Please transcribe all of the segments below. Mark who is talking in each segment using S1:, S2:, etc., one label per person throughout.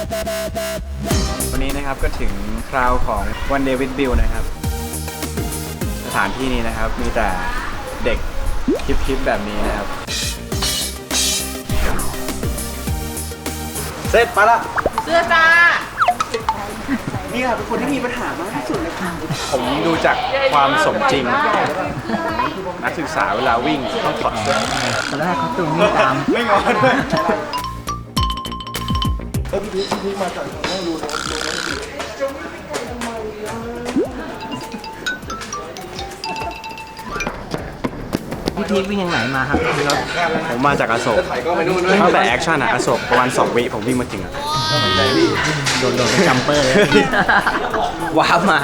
S1: วันนี้นะครับก็ถึงคราวของ One Day with Bill นะครับสถานที่นี้นะครับมีแต่เด็กฮิปๆแบบนี้นะครับเสร็จไปละ
S2: เสื้อจ้า
S3: นี่ค่ะเป็นคนที่มีปัญหามากที่สุดเลยค่ะ
S1: ผมดูจากความสมจริงนักศึกษาเวลาวิ่งต้องถอดเสื้อ
S3: ตอนแรกเขาตูงวิ่งตาม
S1: ไม่งอด้วย
S3: พี่พีควิ่งยังไหนมาครับพี่รถ
S1: ผมมาจากอโศกตั้งแต่แอคชั่นอะอโศกประมาณ2 วิผมวิ่งมาถึงอะ
S3: โดนเป็นจัมเปอร์เลย
S1: ว้าวมา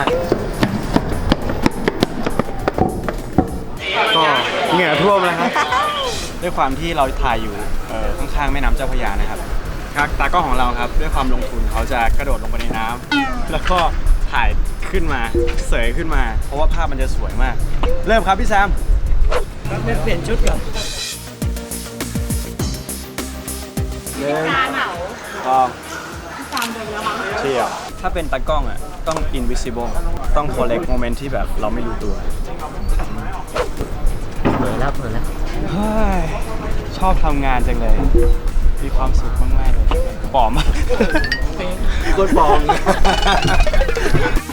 S1: ก็เหงื่อท่วมแล้วครับด้วยความที่เราถ่ายอยู่ข้างๆแม่น้ำเจ้าพระยานะครับตากล้องของเราครับด้วยความลงทุนเขาจะกระโดดลงไปในน้ำแล้วก็ถ่ายขึ้นมาเสยขึ้นมา เพราะว่าภาพมันจะสวยมาก เริ่มครับพี่แซม
S3: เปลี่ยนชุดก่อน
S1: ก็เชี่ยวถ้าเป็นตากล้องอ่ะต้อง invisible ต้อง collect moment ที่แบบเราไม่รู้ตัว
S3: เผลอแล้ว
S1: เฮ้ยชอบทำงานจังเลย มีความสุขมากๆเลยปลอม
S3: โคตรปลอม